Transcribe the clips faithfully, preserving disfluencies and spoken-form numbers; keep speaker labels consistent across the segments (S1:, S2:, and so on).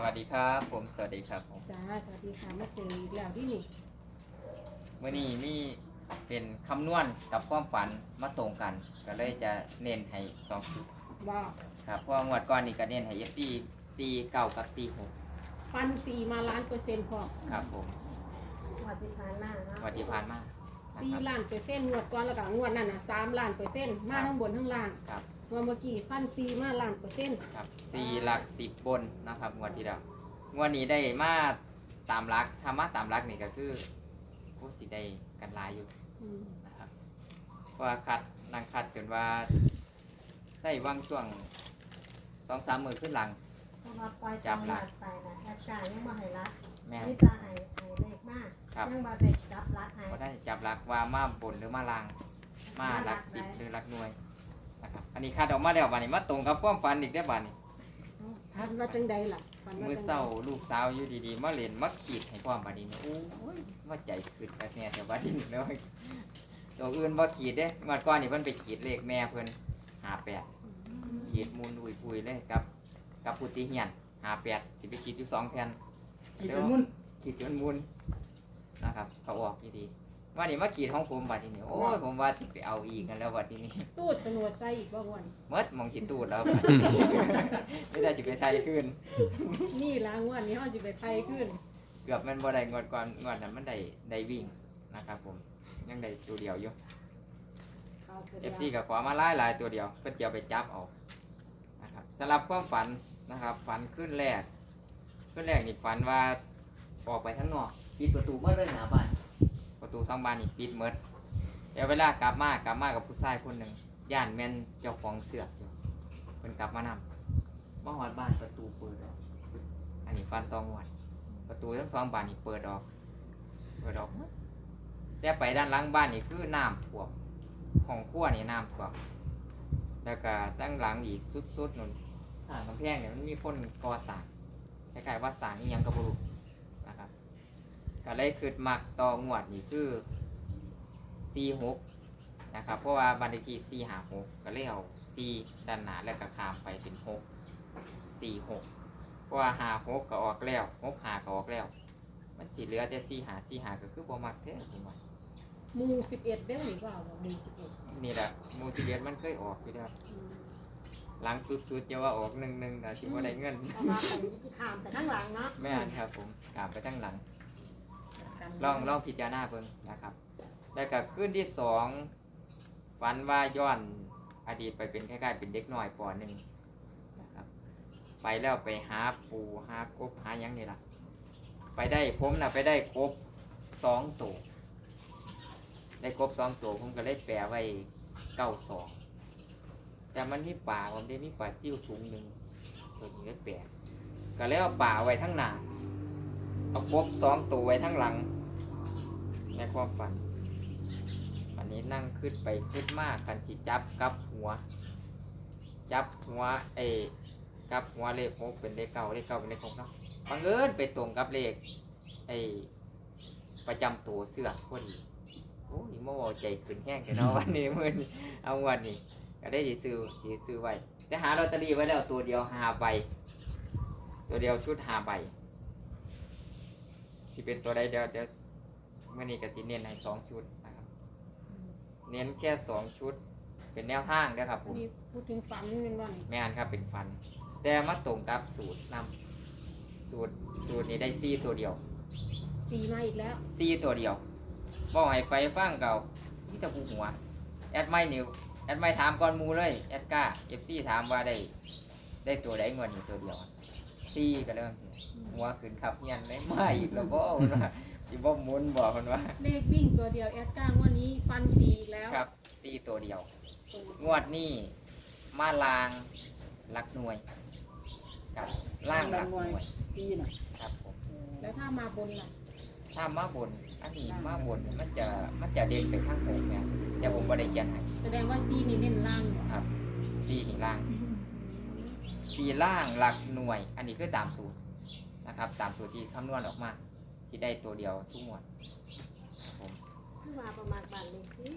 S1: วัสดีครับผมสวัสดีครับผม
S2: จ้าสวัสดีค่ะมาเจออีกแล้วที่นี่
S1: มื่อนี้มีเป็นคำนวณกับความฝันมาตรงกัน ก็เลยจะเน้นให้สองชุด
S2: ว่า
S1: ครับเพราะว่างวดก่อนนี่ก็เน้นให้เอฟซีซีเก้ากับซีหก
S2: ฟันสี่มาล้านเปอร์เซ็นต์พอ
S1: ครับผม
S3: วัดที่ผ่านมาเนาะ
S1: วันที่ผ่านมานะ
S2: สี่
S1: ครับ
S2: ล้านเปอร์เซ็นต์งวดก่อนแล้วก็งวดนั่นน่ะสามล้านเปอร์เซ็นต์มาทั้งบนทั้งล่าง
S1: ครับ
S2: งวดเมื่อกี้ฟันสี่มาล้านเปอร์เซ็นต์
S1: ครับซีหลักสิบบนนะครับงวดที่แล้วงวดนี้ได้มาตามรักธรรมะตามรักนี่ก็คือผู้สิได้กันหลายอยู่
S2: อืม
S1: นะครับเพราะว่าคัดนั่งคัดจนว่าได้วางช่วงสองสามมือขึ้นหลัง
S3: เพราะว่าปล่อยจับหลักไปนะแอดการยังมาให้รัก
S1: แม่
S3: มีตาไห้ไห้เล็กมาก
S1: ครับ
S3: ยังมาได้จับรักไห้
S1: ก็ได้จับหลักว่ามาบนหรือมาลางมาหลักสิบหรือหลักหน่วยนะครับอันนี้คาดออกมาแล้วบานนี้มาตรงกับความฝันอีกได้อบานนี้
S2: ฟันว่าจังใดล่ะฟันว่า
S1: มือ
S2: จัง
S1: เศร้าลูกสาวอยู่ดีๆมาเล่นมาขีดให้ความบานนี้เนี่ยโอ้ยมาใจขึ้นแบบเนี้ยแต่บานนี้เนาะตัวอื่นบ่ขีดเด้เมื่อก่อนนี่เพิ่นไปขีดเลขแม่เพิ่นหาแปดขีดมูลอุยปุยเลยกับกับพุทธิเฮียนหาแปดสิไปขีดอยู่สองแผ่น
S4: ขีดจนมุ่น
S1: ขีดจนมุนนะครับเขาออกดีๆว่านี่มาขีดของผมบัดทีนี้โอ้ยผมว่าจะไปเอาอีกกันแล้วบัดทีนี้
S2: ตู้ชนวดใส่อีกบ่วัน
S1: เมื่อมองขีดตูดแล้วบัด ไม่ได้จิไปไทยขึ้น
S2: นี่ล้างวันนี้ห้องจิไปไทยขึ้น
S1: เกือบมันบ่ได้งวดก่อนงวดนั้นมันได้ได้วิ่งนะครับผมยังได้ตัวเดียวอยู่
S2: เอาเถ
S1: เอ
S2: อะ
S1: ฟซีกับขวามาไล่ลายตัวเดียวเพื่อจะเอาไปจับเอานะครับสำหรับความฝันนะครับฝันขึ้นแรกขึ้นแรกนี่ฝันว่าออกไปข้างนอกปิดประตูเมื่อเลยหนาบ้านประตูสองบานนี่ปิดเมื่อเดี๋ยวเวลากลับมากลับมากับผู้ชายคนหนึ่งย่านแม่นเจ้าของเสือกอยู่เพิ่นกลับมานำมาหอดบ้านประตูเปิดออกอันนี้ฟันตองหวดประตูทั้งสองบานนี่เปิดออกเปิดออกหมดแต่ไปด้านหลังบ้านนี่คือน้ำท่วมของขั้วนี่น้ำท่วมแล้วก็ตั้งหลังอีกสุดๆนู่นทางกำแพงเนี่ยมันมีคนก่อสร้างคล้ายๆว่าสร้างนี่ยังกระบุรุนะครับก็เลยคือมักต่องวดนี่คือสี่หกนะครับเพราะว่าบันทีสี่หาหกก็เลยเอาสี่ด้านหน้าแล้วก็ข้ามไปเป็นหกสี่หกเพราะว่าหาหกก็ออกแล้วหกหาก็ออกแล้ว มันจีเหลือแต่สี่หาสี่หาก็คือบ่มักแท้ผมว่า
S2: หมูสิบเอ็ดได้หรือเปล่าหมูสิบเอ็ด
S1: นี่แหละมูสิเดียนมันเคยออกอยู่แล้วหลังสุดๆจะว่าออกหนึ่งหนึ่งแต่ที่ว่าได้เงิน
S3: เอามาไปที่ขามแต่ข้างหลังเนาะ
S1: แม่นครับผมกลับไปตั้งหลัง ลองลองพิจารณาเบิ่งนะครับ แล้วก็ขึ้นที่สองฝันว่าย้อนอดีตไปเป็นคล้ายๆเป็นเด็กน้อยปหนึ่งนะครับ ไปแล้วไปหาปูหากบหาหยังนี่ล่ะ ไปได้ผมน่ะไปได้กบสองตัวได้กบสองตัวผมก็เลยแปลไว้เก้าสองแต่มันมีป่าผมได้มีป่าซิ่วถุงหนึ่งตัวนี้ก็แปลกก็เลยเอาป่าไว้ทั้งหน้าเอากบสองตัวไว้ทั้งหลังในความฝันวันนี้นั่งขึ้นไปขึ้นมากกันสิจับกับหัว จับหัวเอกับหัวเลขหกเป็นเลขเก้าเลขเก้าเป็นเลขหกเนาะบังเอิญไปตรงกับเลขไอประจำตัวเสื้อพอดีโอ้ยโม่ใจขึ้นแห้งกันเนาะ วันนี้มือนี้เอาวันนี้ก็ได้สีซื้อสีซื้อไว้แต่หาลอตเตอรี่ไว้แล้วตัวเดียวหาใบตัวเดียวชุดหาใบที่เป็นตัวใดเดียวเดี๋ยวเมื่อนี้ก็สิเน้นให้สองชุดนะครับเน้นแค่สองชุดเป็นแนวทางเด้อครับผม
S2: นี่พูดถึงฝันนี่เป็นว่านี่
S1: แม่นครับเป็นฟัน แต่มาตรงกับสูตรนำสูตรสูตรนี้ได้ซี่ตัวเดียว
S2: สี่มาอีกแล้ว
S1: ซี่ตัวเดียวบอกให้ไฟฟังเก่าที่ตะกูหัวแอดไม่นิวแอดไม่ถามก่อนหมูเลยแอดก้าเอฟซีถามว่าได้ได้ตัวได้เงินอยู่ตัวเดียวซี่ก็เรื่องหัวขึ้นครับเงียนไม่ไม่อีกแล้วบ่คนว่าอีบ่หมุนบอกคนว่า
S2: เลขวิ่งตัวเดียวแอดก้างวันนี้ฟันสี่อีกแล้ว
S1: ครับซี่ตัวเดียว งวดนี้มาลางหลักหน่วยกับล่างหลักหน่วย
S4: ซีน่ะ
S1: ครับผม
S2: แล้วถ้ามาบนล่ะ
S1: ถ้ามาบนอันนี้มาบนมันจะมันจะเด่นไปข้างหกเนี่ยแต่ผมบ่ได้เขียนให้
S2: แสดงว่าซีนี่เน้นล่างเหรอ
S1: ครับซีนี่ล่างซีล่างหลักหน่วย อันนี้คือตามสูตรนะครับ ตามสูตรที่คำนวณออกมาสิได้ตัวเดียวทุกหมวดครับผม
S3: คือว่าประมาณบ้านเลขที่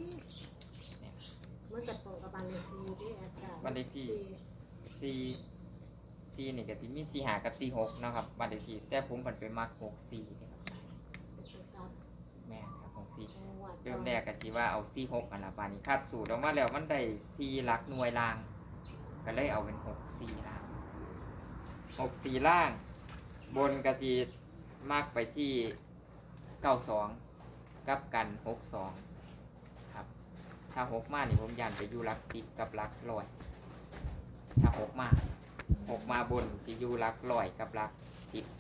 S3: มันจะตรงกับบ้านเลขที่ที่แอดการ
S1: บ้านเลขที่ ซีซีสี่นี่ก็สิมีสี่ห้ากับสี่หกเนาะครับบ้านเลขที่แต่ผมผันไปมักหกสี่นี่ครับแม่นครับหกสี่เริ่มแรกก็สิว่าเอาสี่หกอันละบาดนี้คาดสูตรออกมาแล้วมันได้สี่หลักหน่วยล่างก็เลยเอาเป็นหกสี่ล่างหกสี่ล่างบนก็สิมักไปที่เก้าสองกับกันหกสองครับถ้าหกมานี่ผมยันไปอยู่หลักสิบกับหลักร้อยถ้าหกมาหกมาบนสิอยู่หลักร้อยกับหลักสิบ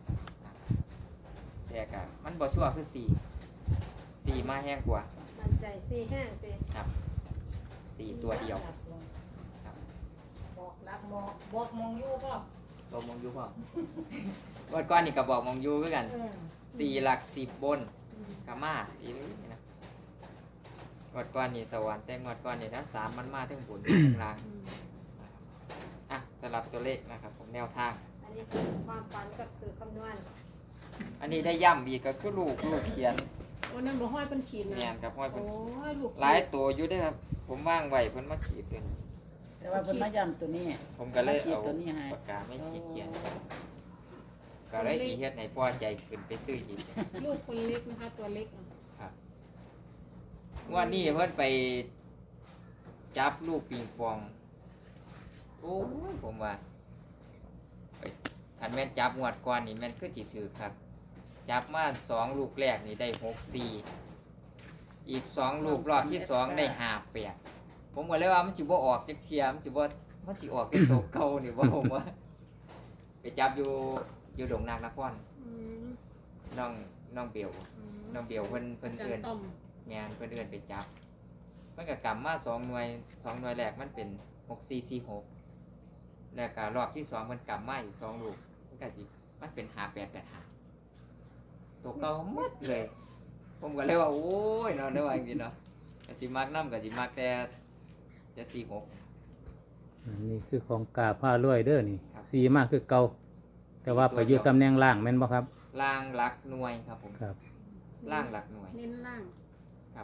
S1: แต่ก็มันบ่ชั่วคือสี่สี่มาแห้งกว่า
S3: มันใจสี่แห้งเต้
S1: ครับสี่ตัวเดียวครับ
S4: บอกรักบอกบอกมองอยู่ก็
S1: ตัวมองยูพ่อ วันก้อนนี่ก็บอกมองยูคือกัน
S4: เออ
S1: สี่หลักสิบบนกามาอีนี่นะงวดก้อนนี่สวรรค์แต่งวดก้อนนี่นะสามมันมาทั้งบนทั้งล่างนะครับอ่ะสลับตัวเลขนะครับผมแนวทาง
S3: อันนี้คือความฝันกับสื่อคำนวณ
S1: อันนี้ได้ย่ำอีกก็คือลูกลูกเขียน
S2: โอ้นั่นบ่ห้อยเป็นขีดนะ
S1: เนียนครับห้อยเป็น
S2: โอ้ยลูก
S1: หลายตัวอยู่เด้วยครับ ผมว่างไว้เพิ่นมาขีดเป็น
S5: แต่ว่าเพิ่นมาย้ำตัวนี้
S1: ผมก็เลย
S5: ขีด
S1: เอา
S5: ตัวนี้ให้
S1: ปากกาไม่ขีดเขียน ก็เลยขีเฮ็ดให้พ่อใจขึ้นไปซื้ออีก
S2: ลูกคนเล็กนะคะตัวเล็กอ่ะ
S1: ครับงวันนี้เพิ่นไปจับลูกปิงปอง โอ้ยผมว่าไปอันแม่นจับงวดก่อนนี่แม่นคือสิถือครับ จับมาสองลูกแรกนี่ได้หกสี่อีกสองลูกรอบที่สองได้ห้าแปดผมก็เลยว่ามันสิบ่ออกจักเทียมนสิบ่มันสิออกเป็นตัวเก่านี่บ่ผมว่า ไปจับอยู่อยู่ดงนางนคร
S2: อืม
S1: น้องน้องเบล
S2: อืม
S1: น้องเบลเพิ่นเพิ่น
S2: จัน
S1: เอิ้น
S2: ต้อม
S1: งานเพื่อนเอื่นไปจับ มันก็กลับมาสองหน่วยสองหน่วยแรกมันเป็นหกสี่สี่หกแล้วก็รอบที่สองมันกลับมาอีกสองลูกมันก็จิมันเป็นหาแปดแปดหาตัวเก่าหมดเลย ผมก็เลยว่าโอ้ยเนาะได้ว่าจริงๆเนาะก็สิมักน้ำก็สิมักแต่จะสี่หก
S6: อันนี่คือของกาผ้าลวยเด้อนี่
S1: ครับ
S6: สีมากคือเก่าแต่ว่าไปอยู่ตำแหน่งล่างแม่นบ่ครับ
S1: ล่างหลักหน่วยครับผม
S6: ครับ
S1: ล่างหลักหน่วย
S2: เน้นล่าง
S1: ครับ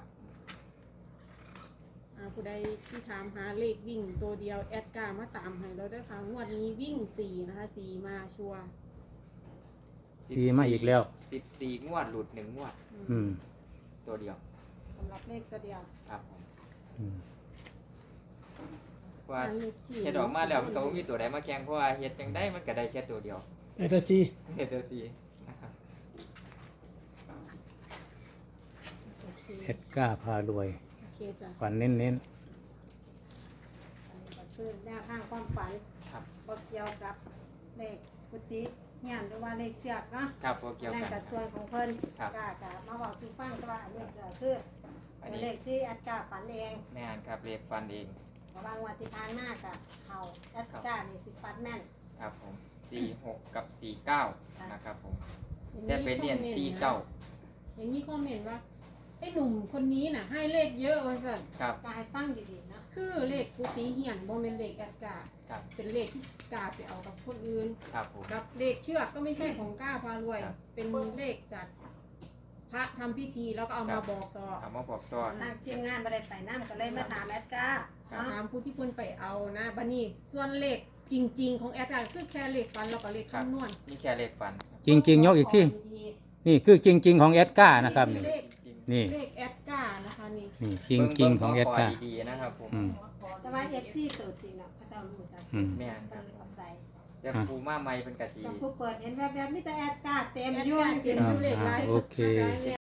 S2: อ่าผู้ใดที่ถามหาเลขวิ่งตัวเดียวแอดการ์มาตามให้เราด้วยค่ะงวดนี้วิ่งสี่นะคะสี่มาชัวร์
S6: สีมาอีกแล้ว
S1: สิบสี่งวดหลุดหนึ่งงวด
S6: อืม
S1: ตัวเดียว
S2: สำหรับเลขตัวเดียว
S1: ครับผม
S6: อืม
S1: ว่า
S2: อันเลขที่
S1: เฮ็ดออกมาแล้วมันก็บ่มีตัวใดมาแข่งเพราะว่าเฮ็ดจังได้มันก็ได้แค่ตัวเดียว
S7: เอตซี
S1: เฮ็ดจังซี่นะครับ
S2: โอเค
S6: เอ็ดกาผ้ารวย
S2: โอเคจ้ะ
S6: ฝันเน้น
S3: อันนี้ก็คือแนวทางความฝัน
S1: ครับ
S3: บ่เกี่ยวกับเลขพุทธิเฮียนหรือว่าเลขเชือกเนาะ
S1: ครับบ่เกี่ยว
S3: นั่น
S1: กัน
S3: ก็ส่วนของเพิ่น
S1: ครับ
S3: ก็จะมาบอกที่ฟังว่าอันนี้ก็คือ
S1: อัน
S3: เป็น
S1: นี้
S3: เลขที่อัดกาฝันเอง
S1: แม่นครับเลขฟันเอง
S3: เพราะว่างวดที่ผ่านมาก็เข้าอัดกานี่สิฟันแม่น
S1: ครับผมสี่หกกับสี่เก้านะครับผม
S2: อย่าง
S1: แต่เป็นเรียน
S2: คอมมต์
S1: สี่เก้า
S2: อย่างนี้คอมเมนต์ว่าไอ้หนุ่มคนนี้น่ะให้เลขเยอะว่าสั่น
S1: ครับ
S3: ก็ให้ฟังดีๆเนาะ
S2: คือเลขกุฏิเหียนบ่เป็นเลขแอดการ์
S1: ครับ
S2: เป็นเลขที่กาไปเอากับคนอื่น
S1: ครับผม
S2: กับเลขเชือกก็ไม่ใช่ของก้าพารวย
S1: ครับ
S2: เป็นเลขจากพระทำพิธีแล้วก็เอา
S1: ครั
S2: มา
S1: บ
S2: บอกต่อ
S1: ถามว่าบอกต่อ
S3: ทางทีมงานบ่ได้ไปนำก็เลยมาถามแอดกา
S1: ครับ
S3: เนาะ
S2: ถามผู้ที่เพิ่นไปเอานะบัดนี้ส่วนเลขจริง ๆ ของแอดการ์คือแค่เลขฟันแล้วก็เลขคำนวณ
S1: นี่แค่เลขฟัน
S6: ๆ จริง ๆ ยกอีกที่นี่คือจริง ๆ ของเอ็ดกานะครับ
S2: นี่
S6: นี่
S2: เลข
S1: จริง
S6: นี่
S2: เลขแอดการ์นะคะนี่
S6: นี่จริง ๆ ของเอ็ดกา
S1: บิ่ดีๆนะครับผม
S6: อืม
S3: แต่ว่า เอฟ ซี ตัวจริงเนาะเขาเจ้ารู้จัก
S6: อืม
S1: แม่นค
S3: เพิ่
S1: รับ
S3: นเข้าใจ
S1: แต่ครูมาใหม่เป็นกะทิ
S3: แต่ผู้เปิดเห็นแวบๆมีแต่แอดกาเต็ม
S2: แอด
S3: อยู่
S2: การ์เขียน
S6: อ่า
S2: อยู่เลขไร
S6: โอเค